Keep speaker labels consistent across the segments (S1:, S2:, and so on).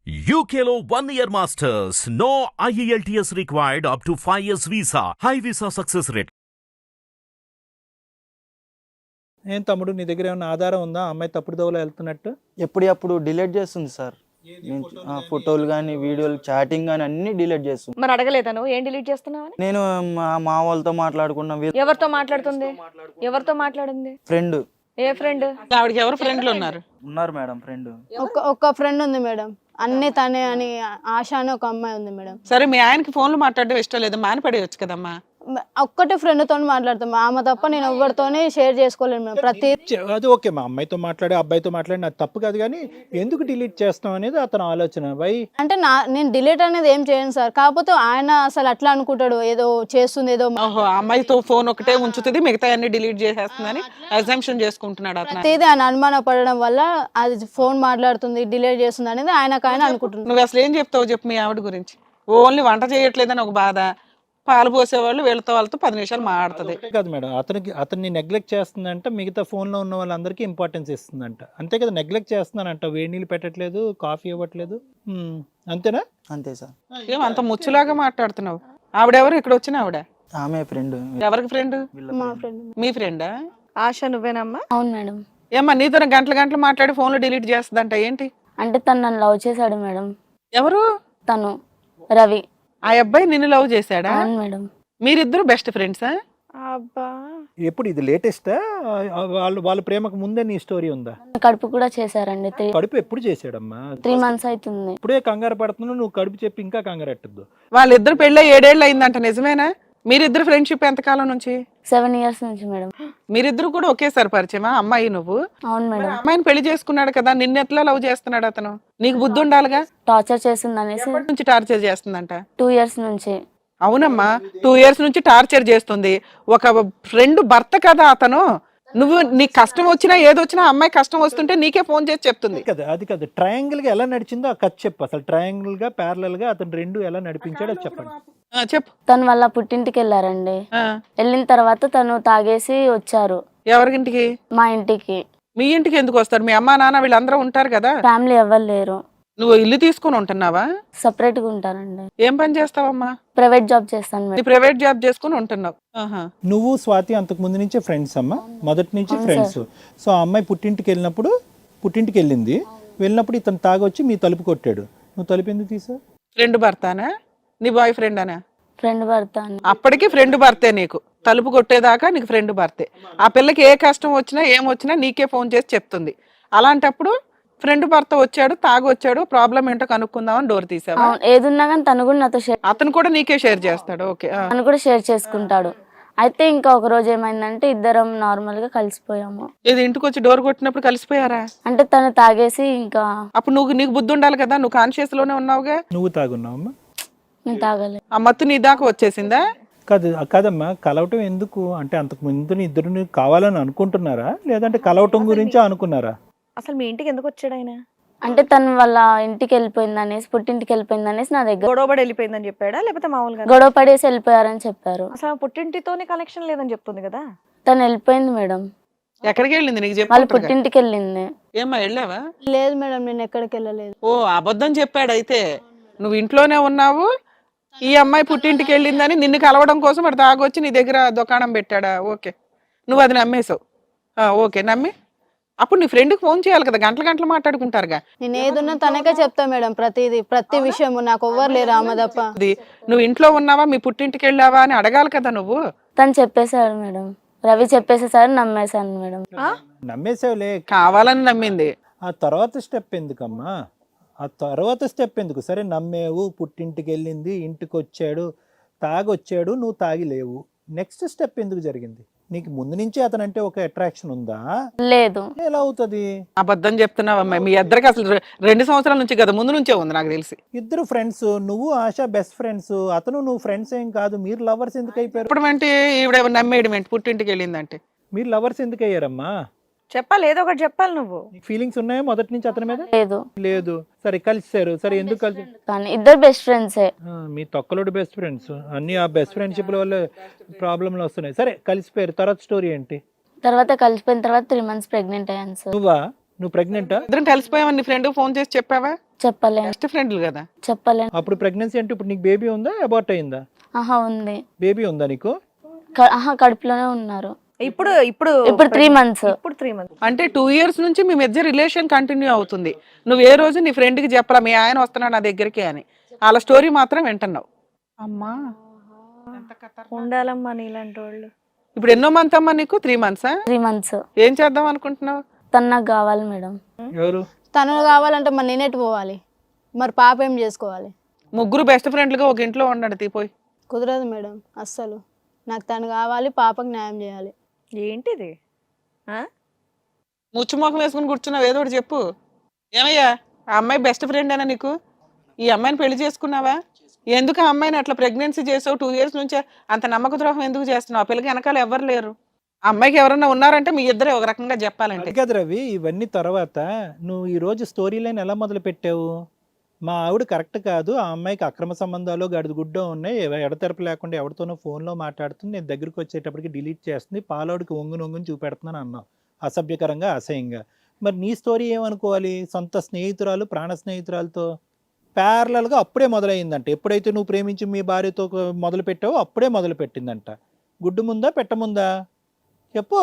S1: UKLO 1 year masters. No IELTS required up to 5 years visa. High visa success rate.
S2: ఏం తమ్ముడు నీ దగ్గర ఏమైనా ఆధారం ఉందా అమ్మాయి తప్పుడు దోవలో వెళ్తున్నట్టు?
S3: ఎప్పుడు డిలీట్ చేస్తుంది సార్. ఫోటోలు కానీ వీడియోలు చాటింగ్ కానీ అన్ని డిలీట్ చేస్తుంది.
S4: మరి అడగలేదా నువ్వు ఏం డిలీట్ చేస్తున్నావు అని?
S3: నేను మా వాళ్ళతో మాట్లాడుకున్నా.
S4: ఎవరితో మాట్లాడుతుంది? ఎవరితో మాట్లాడింది?
S3: ఫ్రెండ్.
S4: ఏ ఫ్రెండ్?
S5: ఆవిడకి ఎవరు ఫ్రెండ్లు ఉన్నారు
S3: మేడం ఫ్రెండ్.
S6: ఒక ఫ్రెండ్ ఉంది మేడం, అన్ని తనే అని ఆశ అని ఒక అమ్మాయి ఉంది మేడం.
S5: సరే మీ ఆయనకి ఫోన్లు మాట్లాడడం ఇష్టం లేదు, మానిపడేయచ్చు కదమ్మా.
S6: ఒక్కటే ఫ్రెండ్ తోని మాట్లాడతాం, ఆమె తప్ప నేను ఎవరితోనే షేర్ చేసుకోలేను మేడం. ప్రతి
S2: అది ఓకే, మా అమ్మాయితో మాట్లాడి అబ్బాయితో మాట్లాడి నాకు తప్పు కాదు, కానీ ఎందుకు డిలీట్ చేస్తాం అనేది అతను ఆలోచన.
S6: అంటే నేను డిలీట్ అనేది ఏం చేయను సార్, కాకపోతే ఆయన అసలు అట్లా అనుకుంటాడు, ఏదో చేస్తుంది ఏదో.
S5: ఓహో, అమ్మాయితో ఫోన్ ఒకటే ఉంచుతుంది, మిగతా అన్ని డిలీట్ చేసేస్తుందని అజంప్షన్ చేసుకుంటున్నాడు అతను.
S6: ప్రతిదీ ఆయన అనుమాన పడడం వల్ల అది ఫోన్ మాట్లాడుతుంది డిలీట్ చేస్తుంది అనేది ఆయనకు ఆయన అనుకుంటున్నాడు.
S5: నువ్వు అసలు ఏం చెప్తావు చెప్పు మీ ఆవిడ గురించి? ఓన్లీ వంట చేయట్లేదని ఒక బాధ, పాలు పోసేవాళ్ళు వీళ్ళతో వాళ్ళతో 10 నిమిషాలు మాట్లాడుతుంది
S2: కాదు మేడం. అతన్ని నెగ్లెక్ట్ చేస్తుందంట, మిగతా ఫోన్లో ఉన్న వాళ్ళందరికీ ఇంపార్టెన్స్ ఇస్తుందంట, అంతే కదా? నెగ్లెక్ట్ చేస్తున్నానంట, వేడి నీళ్ళు పెట్టట్లేదు, కాఫీ ఇవ్వట్లేదు, అంతేనా?
S3: అంతే సార్.
S5: ఏమంత ముచ్చులాగా మాట్లాడుతున్నావు? ఆవిడెవరు? ఇక్కడ వచ్చిన ఆవిడ
S3: ఆమె ఫ్రెండ్.
S5: ఎవరికి ఫ్రెండ్?
S6: మా ఫ్రెండ్.
S5: మీ ఫ్రెండా?
S4: ఆశ నువ్వేనమ్మా?
S7: అవును మేడం.
S5: ఏమ్మా నీతో గంటలు మాట్లాడి ఫోన్లు డిలీట్ చేస్తుందంట ఏంటి?
S7: అంటే తను నన్ను లవ్ చేశాడు మేడం.
S5: ఎవరు?
S7: తను రవి.
S5: ఆ అబ్బాయి నిన్ను లవ్ చేశాడా?
S7: అవును మేడం.
S5: మీరిద్దరు బెస్ట్ ఫ్రెండ్సా?
S4: అబ్బా,
S2: ఎప్పుడు ఇది లేటెస్టా? వాళ్ళ ప్రేమకు ముందే నీ స్టోరీ ఉందా?
S7: కడుపు కూడా చేశారండి.
S2: కడుపు ఎప్పుడు చేసాడమ్మా?
S7: 3 months అవుతుంది.
S2: ఇప్పుడే కంగారు పడుతున్నావు నువ్వు, కడుపు చెప్పి ఇంకా కంగారు ఎట్టద్దు.
S5: వాళ్ళిద్దరు పెళ్ళి 7 ఏళ్ళు అయిందంట, నిజమేనా? మీరిద్దరు ఫ్రెండ్షిప్ ఎంతకాలం నుంచి?
S7: 7 years నుంచి మేడం.
S5: మీరిద్దరు కూడా ఒకేసారి పరిచయమా? అమ్మాయి నువ్వు?
S7: అవును మేడం.
S5: అమ్మాయిని పెళ్లి చేసుకున్నాడు కదా, నిన్ను ఎట్లా లవ్ చేస్తున్నాడు అతను? నీకు బుద్ధి ఉండాలిగా.
S7: టార్చర్ చేస్తుంది అనేసి
S5: ఎప్పటి నుంచి టార్చర్ చేస్తుందంట?
S7: 2 years నుంచి.
S5: అవునమ్మా, 2 years నుంచి టార్చర్ చేస్తుంది. ఒక ఫ్రెండ్ భర్త కదా అతను. నువ్వు నీకు కష్టం వచ్చినా ఏదొచ్చినా అమ్మాయి కష్టం వస్తుంటే నీకే ఫోన్ చేసి చెప్తుంది
S2: కదా. అది కదా, ట్రయాంగిల్ గా ఎలా నడిచిందో ఆ కథ చెప్పు. అసలు ట్రయాంగిల్ గా ప్యారలల్ గా అతను రెండు ఎలా నడిపించాడో అది చెప్పండి.
S5: చెప్పు.
S7: తను వాళ్ళ పుట్టింటికి వెళ్ళారండి. వెళ్ళిన తర్వాత తను తాగేసి వచ్చారు.
S5: ఎవరింటికి?
S7: మా ఇంటికి.
S5: మీ ఇంటికి ఎందుకు వస్తారు? మీ అమ్మా నాన్న వీళ్ళందరూ ఉంటారు కదా.
S7: ఫ్యామిలీ ఎవరు లేరు.
S5: నువ్వు ఇల్లు తీసుకుని ఉంటున్నావా?
S7: సపరేట్ గా ఉంటారండి.
S5: ఏం పని చేస్తావమ్మా?
S7: ప్రైవేట్ జాబ్ చేస్తాను మేడం.
S5: ప్రైవేట్ జాబ్ చేసుకుని ఉంటున్నావు.
S2: నువ్వు స్వాతి అంతకు ముందు నుంచే ఫ్రెండ్స్ అమ్మా? మొదటి నుంచి ఫ్రెండ్స్. సో ఆ అమ్మాయి పుట్టింటికి వెళ్ళింది. వెళ్ళినప్పుడు ఇతను తాగొచ్చి మీ తలుపు కొట్టాడు. నువ్వు తలుపు ఎందుకు తీసావు?
S5: ఫ్రెండ్ భర్తానా? నీ బాయ్ ఫ్రెండ్ అనా?
S7: ఫ్రెండ్ భర్త.
S5: అప్పటికి ఫ్రెండ్ భర్తే నీకు. తలుపు కొట్టేదాకా నీకు ఫ్రెండ్ భర్తే. ఆ పిల్లకి ఏ కష్టం వచ్చినా ఏమొచ్చినా నీకే ఫోన్ చేసి చెప్తుంది. అలాంటప్పుడు ఫ్రెండ్ భర్త వచ్చాడు, తాగొచ్చాడు, ప్రాబ్లం ఏంటో కనుక్కుందామని డోర్ తీసావా?
S7: ఏదున్నా కానీ తను కూడా నాతో షేర్,
S5: అతను కూడా నీకే షేర్ చేస్తాడు. ఓకే.
S7: తను కూడా షేర్ చేసుకుంటాడు. అయితే ఇంకా ఒక రోజు ఏమైందంటే ఇద్దరం నార్మల్ గా కలిసిపోయాము.
S5: ఇది ఇంటికి వచ్చి డోర్ కొట్టినప్పుడు కలిసిపోయారా?
S7: అంటే తను తాగేసి ఇంకా.
S5: అప్పుడు నీకు బుద్ధి ఉండాలి కదా, నువ్వు కాన్షియస్ లోనే ఉన్నావుగా.
S2: నువ్వు తాగున్నావమ్మా?
S7: నేను తాగలే.
S5: ఆ మత్తు నీ దాకా వచ్చేసిందా?
S2: కాదమ్మా, కలవటం ఎందుకు అంటే అంతకు ముందు ఇద్దరు కావాలని అనుకుంటున్నారా, లేదంటే కలవటం గురించి అనుకున్నారా?
S4: అసలు మీ ఇంటికి ఎందుకు వచ్చాడు ఆయన?
S7: అంటే తను వాళ్ళ ఇంటికి వెళ్ళిపోయింది అనేసి, పుట్టింటికి వెళ్ళిపోయింది అనేసి నా దగ్గర
S4: గొడవపడి వెళ్ళిపోయిందని చెప్పాడా, లేకపోతే మామూలుగా
S7: గొడవ పడేసి వెళ్ళిపోయారని చెప్పారు.
S4: అసలు పుట్టింటితోనే కనెక్షన్ లేదని చెప్తుంది కదా.
S7: తను వెళ్ళిపోయింది మేడం.
S5: ఎక్కడికి వెళ్ళింది నీకు
S7: వాళ్ళ
S5: చెప్పి?
S7: పుట్టింటికి వెళ్ళింది.
S5: ఏమ్మా వెళ్ళావా?
S6: లేదు మేడం, నేను ఎక్కడికి వెళ్ళలేదు.
S5: ఓ, అబద్ధం చెప్పాడు. అయితే నువ్వు ఇంట్లోనే ఉన్నావు, ఈ అమ్మాయి పుట్టింటికి వెళ్ళిందని నిన్ను కలవడం కోసం అటు తాగొచ్చి నీ దగ్గర దుకాణం పెట్టాడా? ఓకే, నువ్వు అది నమ్మేశావు. ఓకే, నమ్మి అప్పుడు నీ ఫ్రెండ్కి ఫోన్ చేయాలి కదా, గంటలు మాట్లాడుకుంటారుగా.
S6: నేను ఏదున్నా తనకే చెప్తా మేడం, ప్రతి విషయం. నాకు ఎవ్వరు లేరు ఆమె తప్ప.
S5: నువ్వు ఇంట్లో ఉన్నావా, మీ పుట్టింటికి వెళ్ళావా అని అడగాలి కదా నువ్వు.
S7: తను చెప్పేశాడు మేడం, రవి చెప్పేసేసారు, నమ్మేశాను మేడం.
S2: నమ్మేసావులే,
S5: కావాలని నమ్మింది.
S2: ఆ తర్వాత స్టెప్ ఎందుకమ్మా? సరే నమ్మేవు, పుట్టింటికి వెళ్ళింది, ఇంటికి వచ్చాడు, తాగొచ్చాడు, నువ్వు తాగి లేవు. నెక్స్ట్ స్టెప్ ఎందుకు జరిగింది? నీకు ముందు నుంచి అతనంటే ఒక అట్రాక్షన్ ఉందా?
S7: లేదు.
S2: ఎలా అవుతుంది?
S5: అబద్ధం చెప్తున్నావు అమ్మాయి. మీ ఇద్దరికి అసలు 2 సంవత్సరాల నుంచి కదా, ముందు నుంచే ఉంది నాకు తెలిసి.
S2: ఇద్దరు ఫ్రెండ్స్, నువ్వు ఆశ బెస్ట్ ఫ్రెండ్స్, అతను నువ్వు ఫ్రెండ్స్ ఏం కాదు. మీరు లవర్స్ ఎందుకు అయిపోయారు?
S5: ఇప్పుడు అంటే ఈవిడ నమ్మేయడం ఏంటి? పుట్టింటికి వెళ్ళిందంటే
S2: మీరు లవర్స్ ఎందుకు అయ్యారమ్మా?
S4: చెప్పాలి, ఏదో ఒకటి చెప్పాలి. నువ్వు
S2: ఫీలింగ్స్ ఉన్నాయా మొదటి నుంచి అతని మీద?
S7: లేదు.
S2: సరే కలిసారు, సరే ఎందుకు కలిసి?
S7: కానీ ఇద్దరు బెస్ట్ ఫ్రెండ్సే.
S2: మీ తొక్కలోడు బెస్ట్ ఫ్రెండ్స్, అన్ని ఆ బెస్ట్ ఫ్రెండ్షిప్ వల్ల ప్రాబ్లంలు వస్తున్నాయి. సరే కలిసిపోయారు, తర్వాత స్టోరీ ఏంటి?
S7: తర్వాత కలిసిపోయిన తర్వాత 3 months ప్రెగ్నెంట్ అయ్యాను సార్.
S2: నువ్వు ప్రెగ్నెంటా?
S5: ఇద్దరం కలిసిపోయామని నీ ఫ్రెండ్ ఫోన్ చేసి చెప్పావా?
S7: చెప్పలేను
S5: బెస్ట్ ఫ్రెండ్లు కదా.
S7: చెప్పలేను.
S2: అప్పుడు ప్రెగ్నెన్సీ అంటే ఇప్పుడు నీకు బేబీ ఉందా, అబార్ట్ అయిందా?
S7: ఆహా ఉంది.
S2: బేబీ ఉందా నీకు?
S7: కడుపులోనే ఉన్నారు.
S4: ఇప్పుడు ఇప్పుడు
S7: ఇప్పుడు 3 months.
S4: ఇప్పుడు 3 months.
S5: అంటే 2 years నుంచి మీ మధ్య రిలేషన్ కంటిన్యూ అవుతుంది. నువ్వు ఏ రోజు నీ ఫ్రెండ్ కి చెప్పలా మీ ఆయన వస్తున్నాడు నా దగ్గరికి అని, వాళ్ళ స్టోరీ మాత్రం వింటున్నావు. అమ్మా
S4: ఉండాలమ్మా నీలాంటి వాళ్ళు.
S5: ఇప్పుడు ఎన్నో మంత్ అమ్మా నీకు? 3 months.
S7: 3 months.
S5: ఏం చేద్దాం అనుకుంటున్నావు?
S7: తను నాకు కావాలి మేడం.
S2: ఎవరు?
S6: తను కావాలంటే మరి నేనేటి పోవాలి, మరి పాప ఏం చేసుకోవాలి?
S5: ముగ్గురు బెస్ట్ ఫ్రెండ్లుగా ఒక ఇంట్లో ఉండండి తీపోయి.
S6: కుదరదు మేడం అస్సలు. నాకు తను కావాలి, పాపకు న్యాయం చేయాలి.
S4: ఏంటిది?
S5: ముచ్చుమోకం వేసుకుని కూర్చున్నావు, ఏదో ఒకటి చెప్పు. ఏమయ్యా ఆ అమ్మాయి బెస్ట్ ఫ్రెండ్ అయినా నీకు? ఈ అమ్మాయిని పెళ్లి చేసుకున్నావా? ఎందుకు ఆ అమ్మాయిని అట్లా ప్రెగ్నెన్సీ చేసావు? 2 years నుంచే అంత నమ్మక ద్రోహం ఎందుకు చేస్తున్నావు? ఆ పిల్లకి వెనకాల ఎవరు లేరు. ఆ అమ్మాయికి ఎవరన్నా ఉన్నారంటే మీ ఇద్దరే ఒక రకంగా చెప్పాలంటే.
S2: అది కాదు రవి, ఇవన్నీ తర్వాత నువ్వు ఈ రోజు స్టోరీ లైన్ ఎలా మొదలు పెట్టావు? మా ఆవిడ కరెక్ట్ కాదు, ఆ అమ్మాయికి అక్రమ సంబంధాలు గడిద గుడ్డ ఉన్నాయి, ఎడతెరపు లేకుండా ఎవరితోనో ఫోన్లో మాట్లాడుతుంది, నేను దగ్గరికి వచ్చేటప్పటికి డిలీట్ చేస్తుంది, పాలోడికి ఒంగుని చూపెడుతున్నాను అన్నావు అసభ్యకరంగా, అసహ్యంగా. మరి నీ స్టోరీ ఏమనుకోవాలి? సొంత స్నేహితురాలు, ప్రాణ స్నేహితురాలతో ప్యారలల్గా అప్పుడే మొదలైందంట. ఎప్పుడైతే నువ్వు ప్రేమించి మీ భార్యతో మొదలు పెట్టావో అప్పుడే మొదలు పెట్టిందంట. గుడ్డు ముందా పెట్టముందా చెప్పు?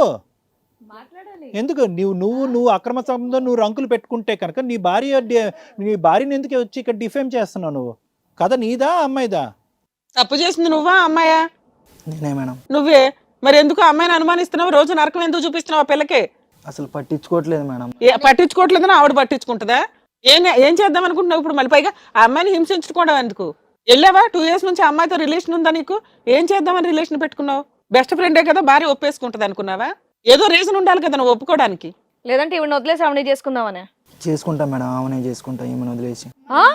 S2: ఎందుకు నువ్వు అక్రమ సంబంధం నువ్వు రంకులు పెట్టుకుంటే కనుక నీ భార్యని ఎందుకు వచ్చి ఇక్కడ డిఫేమ్ చేస్తున్నావు? నువ్వు కథ నీదా అమ్మాయిదా?
S5: తప్పు చేసింది నువ్వా అమ్మాయా?
S3: నేనే మేడం.
S5: నువ్వే. మరి ఎందుకు అమ్మాయిని అనుమానిస్తున్నావు? రోజు నరకం ఎందుకు చూపిస్తున్నావు ఆ పిల్లకి?
S3: అసలు పట్టించుకోవట్లేదు మేడం.
S5: పట్టించుకోవట్లేదని ఆవిడ పట్టించుకుంటుందా? ఏం చేద్దాం అనుకుంటున్నావు ఇప్పుడు? మళ్ళీ పైగా ఆ అమ్మాయిని హింసించుకోవడం ఎందుకు? వెళ్ళావా? 2 years నుంచి అమ్మాయితో రిలేషన్ ఉందా నీకు? ఏం చేద్దామని రిలేషన్ పెట్టుకున్నావు? బెస్ట్ ఫ్రెండే కదా, భార్య ఒప్పేసుకుంటుంది అనుకున్నావా? ఏదో రీజన్ ఉండాలి కదా నువ్వు ఒప్పుకోవడానికి.
S4: లేదంటే ఈవిడ వదిలేసి ఆవిడ చేసుకుందామనే?
S3: చేసుకుంటా మేడం, ఆమెనే చేసుకుంటా, ఈమెను వదిలేసి.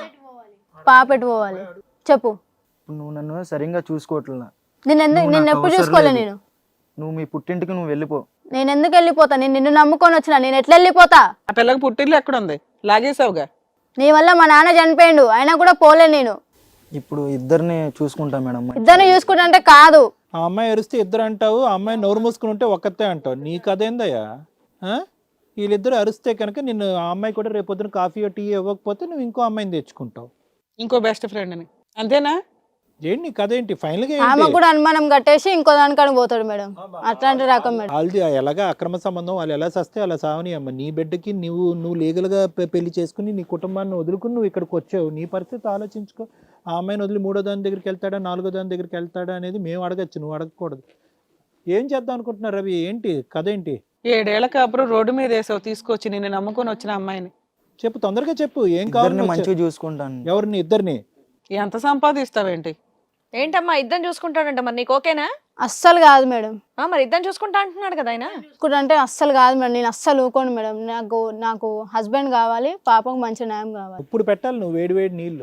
S6: పాప ఎటు పోవాలి చెప్పు?
S3: ఇప్పుడు నువ్వు నన్ను సరిగ్గా చూసుకోవట్లా.
S6: నేను ఎప్పుడు చూసుకోలే.
S3: నువ్వు మీ పుట్టింటికి నువ్వు వెళ్ళిపో.
S6: నేను ఎందుకు వెళ్ళిపోతా? నేను నిన్ను నమ్ముకొని వచ్చిన, నేను ఎట్లా వెళ్ళిపోతా?
S5: ఆ పిల్లకి పుట్టిల్లు ఎక్కడుంది? లాగేసావుగా.
S6: నీ వల్ల మా నాన్న చనిపోయిండు, అయినా కూడా పోలే నేను.
S3: ఇప్పుడు ఇద్దరిని చూసుకుంటా మేడం.
S6: ఇద్దరిని చూసుకుంటే కాదు.
S2: ఆ అమ్మాయి అరిస్తే ఇద్దరు అంటావు, ఆ అమ్మాయి నోరు మూసుకుని ఉంటే ఒక్కతే అంటావు. నీ కదేందయ్యా? వీళ్ళిద్దరు అరిస్తే కనుక నిన్ను ఆ అమ్మాయి కూడా రేపొద్దున కాఫీ టీ ఇవ్వకపోతే నువ్వు ఇంకో అమ్మాయిని తెచ్చుకుంటావు,
S5: ఇంకో బెస్ట్ ఫ్రెండ్ అని. అంతేనా?
S2: ఏంటి నీ కథ ఏంటి? ఫైనల్ గా
S6: ఆమె కూడా అనుమానం కట్టేసి ఇంకో దానికని పోతాడు మేడం. అట్లాంటి రకం మేడం.
S2: వాళ్ళది ఎలాగా అక్రమ సంబంధం, వాళ్ళు ఎలా సస్తే అలా సావని అమ్మ. నీ బిడ్డకి నువ్వు లీగల్ గా పెళ్లి చేసుకుని నీ కుటుంబాన్ని వదులుకుని నువ్వు ఇక్కడికి వచ్చావు. నీ పరిస్థితి ఆలోచించుకో. ఆ అమ్మాయిని వదిలి 3వ దాని దగ్గరికి వెళ్తాడా, 4వ దాని దగ్గరికి వెళ్తాడా అనేది మేము అడగచ్చు, నువ్వు అడగకూడదు. ఏం చేద్దాం అనుకుంటున్నారు రవి? ఏంటి కథ ఏంటి?
S5: 7 ఏళ్ల కాపురం రోడ్డు మీద వేసావు తీసుకొచ్చి, నిన్ను నమ్ముకొని వచ్చిన అమ్మాయిని.
S2: చెప్పు, తొందరగా చెప్పు. ఏం కావాలి?
S3: మంచిగా చూసుకుంటాను.
S2: ఎవరిని? ఇద్దరిని.
S5: ఎంత సంపాదిస్తావేంటి?
S4: ఏంటమ్మా ఇద్దరు చూసుకుంటాడంట, మరి నీకు ఓకేనా?
S6: అస్సలు కాదు మేడం.
S4: మరి ఇద్దరు చూసుకుంటా అంటున్నాడు కదా ఆయన.
S6: అంటే అస్సలు కాదు మేడం, నేను అస్సలు ఊకోను మేడం. నాకు హస్బెండ్ కావాలి, పాపకు మంచి న్యాయం కావాలి.
S2: ఇప్పుడు పెట్టాలి నువ్వు వేడి నీళ్లు.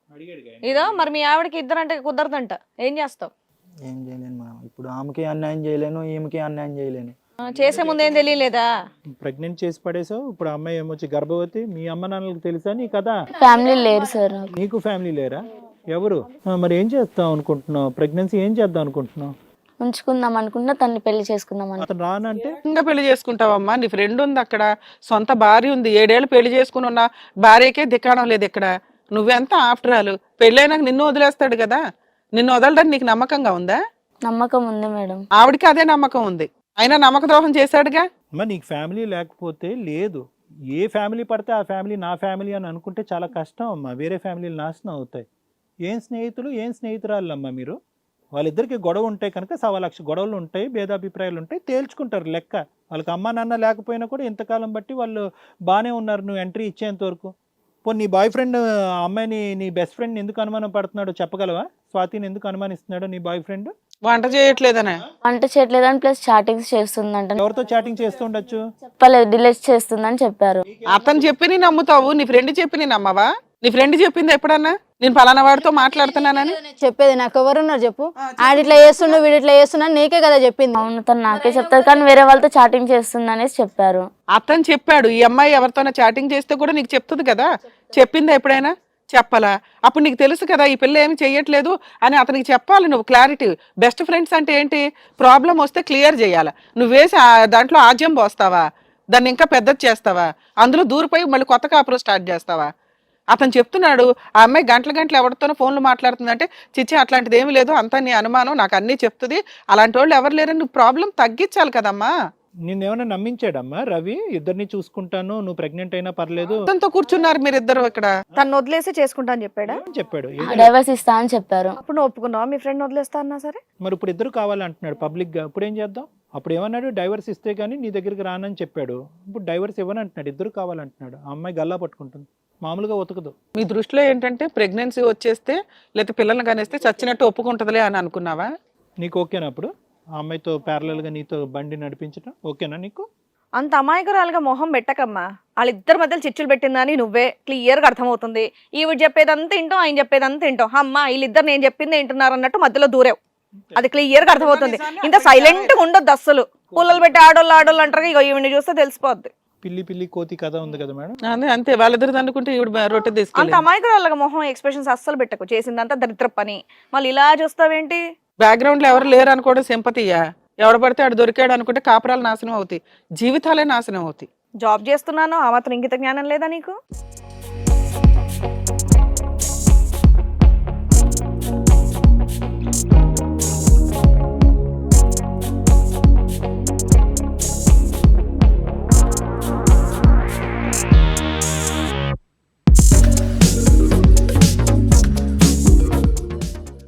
S4: ఇదో మరి మీ ఆవిడకి ఇద్దరు అంటే కుదరదంట, ఏం చేస్తావు?
S3: ఏం చేయలేను మేడం. ఇప్పుడు ఆమెకి అన్యాయం చేయలేను, ఈమెకి అన్యాయం చేయలేను.
S4: చేసే ముందు ఏం తెలియలేదా?
S2: ప్రెగ్నెంట్ చేసి పడేసావు. ఇప్పుడు అమ్మాయి ఏమొచ్చి గర్భవతి. మీ అమ్మ నాన్నలకు తెలుసా నీ కదా?
S7: ఫ్యామిలీ లేరు సార్.
S2: నీకు ఫ్యామిలీ లేరా? ఎవరు? మరి ఏం చేస్తావు అనుకుంటున్నావు? ప్రెగ్నెన్సీ ఏం చేద్దాం అనుకుంటున్నావు?
S7: ఉంచుకుందాం అనుకుంటున్నా, తన్ని పెళ్లి చేసుకుందాం అని.
S2: అతను రానంటే
S5: ఇంకా పెళ్లి చేసుకుంటావమ్మా? నీ ఫ్రెండ్ ఉంది అక్కడ, సొంత భార్య ఉంది. 7 ఏళ్ళు పెళ్లి చేసుకుని ఉన్న భార్యకే దిక్కాడం లేదు ఇక్కడ. నువ్వెంత ఆఫ్టర్ ఆల్? పెళ్ళైనాక నిన్ను వదిలేస్తాడు కదా, నిన్ను వదలడానికి నీకు నమ్మకంగా ఉందా?
S7: నమ్మకం ఉంది మేడం.
S5: ఆవిడకి అదే నమ్మకం ఉంది, అయినా నమ్మక ద్రోహం చేశాడుగా.
S2: మరి నీకు ఫ్యామిలీ లేకపోతే లేదు. ఏ ఫ్యామిలీ పడితే ఆ ఫ్యామిలీ నా ఫ్యామిలీ అని అనుకుంటే చాలా కష్టం అమ్మా. వేరే ఫ్యామిలీలు నాశనం అవుతాయి. ఏం స్నేహితులు, ఏం స్నేహితురాళ్ళు అమ్మా మీరు? వాళ్ళిద్దరికి గొడవ ఉంటాయి కనుక 1,00,000 గొడవలు ఉంటాయి, భేదాభిప్రాయాలు ఉంటాయి, తేల్చుకుంటారు లెక్క. వాళ్ళకి అమ్మ నాన్న లేకపోయినా కూడా ఇంతకాలం బట్టి వాళ్ళు బాగానే ఉన్నారు నువ్వు ఎంట్రీ ఇచ్చేంత వరకు. పోనీ నీ బాయ్ ఫ్రెండ్ ఆ అమ్మాయిని, నీ బెస్ట్ ఫ్రెండ్ ఎందుకు అనుమానం పడుతున్నాడో చెప్పగలవా? స్వాతిని ఎందుకు అనుమానిస్తున్నాడో నీ బాయ్ ఫ్రెండ్?
S5: వంట చేయట్లేదనే.
S7: వంట చేయట్లేదని ప్లస్ చాటింగ్స్ చేస్తుందంట.
S2: ఎవరితో చాటింగ్ చేస్తూ ఉండొచ్చు?
S7: చెప్పలేదు, డిలీట్ చేస్తుందని చెప్పారు.
S5: అతను చెప్పి నీ నమ్ముతావు, నీ ఫ్రెండ్ చెప్పి నీ నమ్మవా? నీ ఫ్రెండ్ చెప్పింది ఎప్పుడన్నా నేను పలానా వాడితో మాట్లాడుతున్నానని?
S6: చెప్పేది నాకు ఎవరున్నారు చెప్పు? ఆడిట్లా చేస్తుండు, వీడిట్లా చేస్తున్నా, నీకే కదా చెప్పింది.
S7: అవును, తను నాకే చెప్తారు, కానీ వేరే వాళ్ళతో చాటింగ్ చేస్తుంది అనేసి చెప్పారు.
S5: అతను చెప్పాడు. ఈ అమ్మాయి ఎవరితోనో చాటింగ్ చేస్తే కూడా నీకు చెప్తుంది కదా. చెప్పిందా ఎప్పుడైనా? చెప్పాలా? అప్పుడు నీకు తెలుసు కదా ఈ పిల్ల ఏమి చెయ్యట్లేదు అని అతనికి చెప్పాలి నువ్వు. క్లారిటీ. బెస్ట్ ఫ్రెండ్స్ అంటే ఏంటి? ప్రాబ్లం వస్తే క్లియర్ చేయాలి. నువ్వు వేసి దాంట్లో ఆజ్యం పోస్తావా? దాన్ని ఇంకా పెద్దది చేస్తావా? అందులో దూరిపోయి మళ్ళీ కొత్త కాపురం స్టార్ట్ చేస్తావా? అతను చెప్తున్నాడు ఆ అమ్మాయి గంటల గంటలు ఎవరితోనో ఫోన్లు మాట్లాడుతుందంటే చిచ్చి అట్లాంటిది ఏమీ లేదు, అంతా నీ అనుమానం, నాకు అన్నీ చెప్తుంది, అలాంటి వాళ్ళు ఎవరు లేరని నువ్వు ప్రాబ్లం తగ్గించాలి కదమ్మా.
S2: నిన్నేమైనా నమ్మించాడమ్మా రవి? ఇద్దరిని చూసుకుంటాను, నువ్వు ప్రెగ్నెంట్ అయినా పర్లేదు
S5: అతనితో కూర్చున్నారు మీరిద్దరు ఇక్కడ.
S4: తను వదిలేసి చేసుకుంటా అని చెప్పాడా?
S2: అని చెప్పాడు.
S7: డైవర్స్ ఇస్తా అని చెప్పారు.
S4: అప్పుడు నువ్వు ఒప్పుకున్నావా మీ ఫ్రెండ్ వదిలేస్తా అన్నా సరే?
S2: మరి ఇప్పుడు ఇద్దరు కావాలంటున్నాడు పబ్లిక్ గా, ఇప్పుడు ఏం చేద్దాం? అప్పుడు ఏమన్నాడు, డైవర్స్ ఇస్తే గానీ నీ దగ్గరికి రానని చెప్పాడు. ఇప్పుడు డైవర్స్ ఇవ్వని అంటున్నాడు, ఇద్దరు కావాలంటున్నాడు. ఆ అమ్మాయి గల్లా పట్టుకుంటుంది, మామూలుగా ఉతకదు.
S5: మీ దృష్టిలో ఏంటంటే ప్రెగ్నెన్సీ వచ్చేస్తే లేకపోతే పిల్లల్ని కనేస్తే చచ్చినట్టు ఒప్పుకుంటుందిలే అని అనుకున్నావా?
S2: నీకు ఓకేనా అప్పుడు ఆ అమ్మాయితో ప్యారలల్ గా నీతో బండి నడిపించడం ఓకేనా నీకు?
S4: అంత అమాయకురాలుగా మొహం పెట్టకమ్మా. వాళ్ళిద్దరి మధ్యలో చిచ్చులు పెట్టిందని నువ్వే క్లియర్ గా అర్థమవుతుంది. ఈవిడ చెప్పేదంతా వింటాం, ఆయన చెప్పేదంతా వింటాం. అమ్మా వీళ్ళిద్దరు నేను చెప్పింది వింటున్నారు అన్నట్టు మధ్యలో దూరేవు. అది క్లియర్ గా అర్థమవుతుంది. ఇంత సైలెంట్ గా ఉండొద్దు అస్సలు. పుల్లలు పెట్టి ఆడోళ్ళు అంటారు, ఇక ఈవిని చూస్తే తెలిసిపోద్ది.
S2: పిల్లి పిల్లి కోతి కథ ఉంది కదా మేడం.
S5: అదే అంతే, వాళ్ళిద్దరు అనుకుంటే ఈవిడ రొట్టె
S4: అంత
S5: తీసుకెళ్ళి.
S4: అమాయకురాలుగా మొహం ఎక్స్ప్రెషన్స్ అస్సలు పెట్టకు. చేసిందంతా దరిద్ర పని, మళ్ళీ ఇలా చూస్తావేంటి?
S5: బ్యాక్గ్రౌండ్ లో ఎవరు లేరు అనుకోవడం సింపతియా? ఎవడ పడితే ఆడు దొరికాడు అనుకుంటే కాపురాలు నాశనం అవుతాయి, జీవితాలే నాశనం అవుతాయి.
S4: జాబ్ చేస్తున్నాను, ఆ మాత్రం ఇంగిత జ్ఞానం లేదా నీకు?